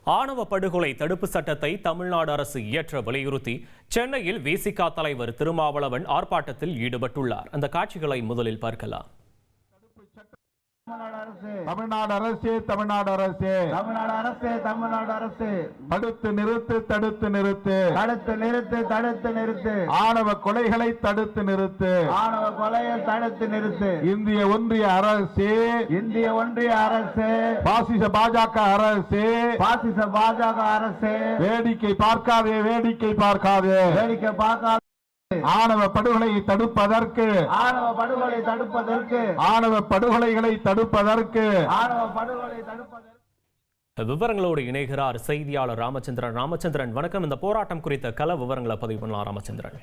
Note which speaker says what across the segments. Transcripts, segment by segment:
Speaker 1: ஆணவ படுகொலை தடுப்பு சட்டத்தை தமிழ்நாடு அரசு இயற்ற வலியுறுத்தி சென்னையில் விசிக தலைவர் திருமாவளவன் ஆர்ப்பாட்டத்தில் ஈடுபட்டுள்ளார். அந்த காட்சிகளை முதலில் பார்க்கலாம்.
Speaker 2: தமிழ்நாடு அரசு தமிழ்நாடு அரசு
Speaker 3: தமிழ்நாடு அரசு தமிழ்நாடு அரசு
Speaker 2: தடுத்து நிறுத்து தடுத்து நிறுத்து
Speaker 3: தடுத்து நிறுத்து தடுத்து நிறுத்து
Speaker 2: ஆணவ கொலைகளை தடுத்து நிறுத்து
Speaker 3: ஆணவ கொலையை தடுத்து நிறுத்து
Speaker 2: இந்திய ஒன்றிய அரசு
Speaker 3: இந்திய ஒன்றிய அரசு
Speaker 2: பாசிச பாஜக அரசு
Speaker 3: பாசிச பாஜக அரசு
Speaker 2: வேடிக்கை பார்க்காதே வேடிக்கை பார்க்காதே
Speaker 3: வேடிக்கை பார்க்காத
Speaker 2: ஆணவ படுகொலையை தடுப்பதற்கு
Speaker 3: ஆணவ படுகொலை தடுப்பதற்கு
Speaker 2: ஆணவ படுகொலைகளை தடுப்பதற்கு
Speaker 3: ஆணவ படுகொலை தடுப்பதற்கு
Speaker 1: விவரங்களோடு இணைகிறார் செய்தியாளர் ராமச்சந்திரன். ராமச்சந்திரன் வணக்கம். இந்த போராட்டம் குறித்த கள விவரங்களை பதிவு பண்ணலாம் ராமச்சந்திரன்.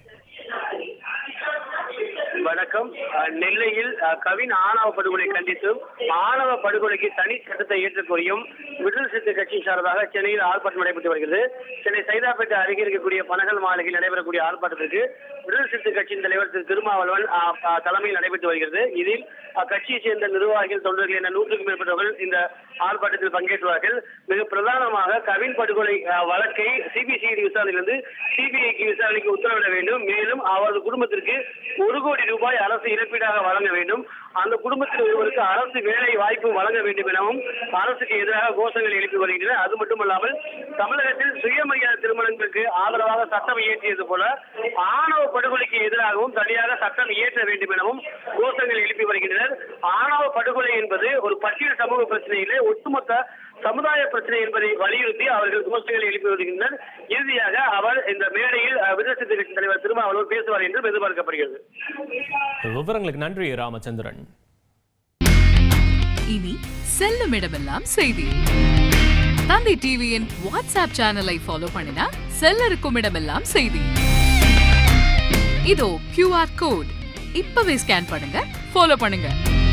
Speaker 4: வணக்கம். நெல்லையில் கவின் ஆணவ படுகொலை கண்டித்தும் ஆணவ படுகொலைக்கு தனி சட்டத்தை ஏற்றுக் கோரியும் விடுதலை சிறுத்தை கட்சி சார்பாக சென்னையில் ஆர்ப்பாட்டம் நடைபெற்று வருகிறது. சென்னை சைதாப்பேட்டை அருகே இருக்கக்கூடிய பனகல் மாளிகையில் நடைபெறக்கூடிய ஆர்ப்பாட்டத்திற்கு விடுதலை சிறுத்தை கட்சியின் தலைவர் திரு திருமாவளவன் தலைமையில் நடைபெற்று வருகிறது. இதில் அக்கட்சியை சேர்ந்த நிர்வாகிகள் தொண்டர்கள் என 100க்கும் மேற்பட்டவர்கள் இந்த ஆர்ப்பாட்டத்தில் பங்கேற்றுவார்கள். மிக பிரதானமாக கவின் படுகொலை வழக்கை சிபிசிஐடி விசாரணையிலிருந்து சிபிஐக்கு விசாரணைக்கு உத்தரவிட வேண்டும். மேலும் அவரது குடும்பத்திற்கு 1 கோடி ரூபாய் அரசு இழப்பீடாக வழங்க வேண்டும். அந்த குடும்பத்தில் ஒருவருக்கு அரசு வேலை வாய்ப்பு வழங்க வேண்டும் எனவும் அரசுக்கு எதிராக கோஷங்கள் எழுப்பி வருகின்றன. அது மட்டுமல்லாமல் தமிழகத்தில் சுயமரியாதை திருமணங்களுக்கு ஆதரவாக சட்டம் இயற்றியது போல ஆணவ படுகொலைக்கு எதிராகவும் தனியாக சட்டம் இயற்ற வேண்டும் எனவும் கோஷங்கள் எழுப்பி வருகின்றனர். ஆணவ படுகொலை என்பது ஒரு பட்டியல் சமூக பிரச்சனையிலே ஒட்டுமொத்த சமுதாய பிரச்சனை என்பதை வலியுறுத்தி அவர்கள் கோஷங்களை எழுப்பி வருகின்றனர். இறுதியாக அவர் இந்த மேடையில் விடுதலை சிறுத்தை கட்சி தலைவர் திருமாவளவன் பேசுவார் என்று எதிர்பார்க்கப்படுகிறது.
Speaker 1: விவரங்களுக்கு நன்றி ராமச்சந்திரன்.
Speaker 5: இனி செல்லும் இடமெல்லாம் செய்தி. தந்தை டிவியின் வாட்ஸ்அப் சேனலை ஃபாலோ பண்ணினா செல்லருக்கும் இடமெல்லாம் செய்தி. இதோ QR கோட் இப்பவே ஸ்கேன் பண்ணுங்க, ஃபாலோ பண்ணுங்க.